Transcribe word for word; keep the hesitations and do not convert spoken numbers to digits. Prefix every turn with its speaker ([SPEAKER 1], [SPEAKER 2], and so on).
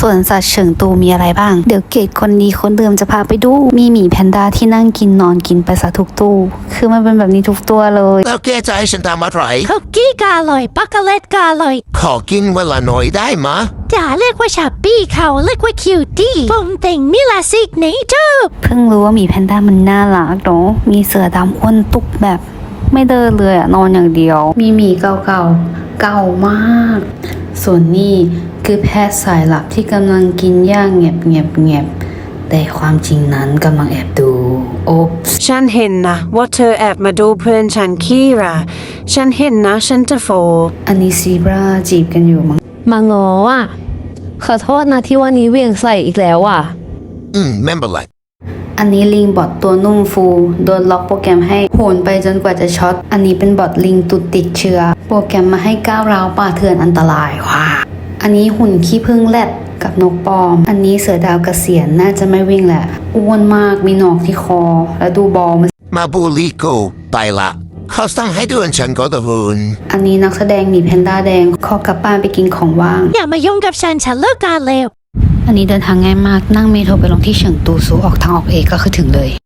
[SPEAKER 1] สวนสัตว์เฉิงตูมีอะไรบ้างเดี๋ยวเกดคนดีคนเดิมจะพาไปดูมีหมีแพนด้าที่นั่งกินนอนกินไปซะทุกตู้คือมันเป็นแบบนี้ทุกตัวเลย
[SPEAKER 2] แล้วแกจะให้ฉันทำอะไร
[SPEAKER 3] คุกกี้กาอร่อยปักโกแลตกาอร่อย
[SPEAKER 2] ขอกินเวลาหน่อยได้มะ
[SPEAKER 3] อย่าเรียกว่าชับปี้เขาเรียกว่าคิวตี้ผมแต่งมิลาซิกเนเจอร์
[SPEAKER 1] เพิ่งรู้ว่าหมีแพนด้ามันน่ารักเนาะมีเสือดำอ้วนตุกแบบไม่เดินเลยอะนอนอย่างเดียวมีหมีเก่าๆเก่ามากส่วนนี้คือแพทย์สายลับที่กำลังกินย่างเงียบเงียบเงียบแต่ความจริงนั้นกำลังแอบดูโอ๊บ
[SPEAKER 4] ฉันเห็นนะว่าเธอแอบมาดูเพื่อนฉันคีราฉันเห็นนะฉันจะโฟ
[SPEAKER 1] อันนี้ซีบราจีบกันอยู่มั้ง
[SPEAKER 5] มังออ่ะขอโทษนะที่วันนี้เวียงใส่อีกแล้วอ่ะ
[SPEAKER 2] อืมไม่เป็นไร
[SPEAKER 1] อันนี้ลิงบอทตัวนุ่มฟูโดนล็อกโปรแกรมให้โหนไปจนกว่าจะช็อตอันนี้เป็นบอทลิงตุดติดเชื้อโปรแกรมมาให้ก้าวร้าวป่าเถื่อนอันตรายว้าอันนี้หุ่นขี้ผึ้งแรดกับนกปอมอันนี้เสือดาวเกษียณน่าจะไม่วิ่งแหละอ้วนมากมีหนอกที่คอแล้วดูบอล
[SPEAKER 2] มาบูลิโกไปละเขาสั่งให้ดูฉันก็ตะวุน
[SPEAKER 1] อันนี้นักแสดงมีแพนด้าแดงขอกลับบ้านไปกินของว่าง
[SPEAKER 3] อย่ามายุ่งกับฉันฉันเลิกการแล้ว
[SPEAKER 1] อันนี้เดินทางง่ายมากนั่งเมโทรไปลงที่เฉิงตูซูออกทางออกเอกก็คือถึงเลย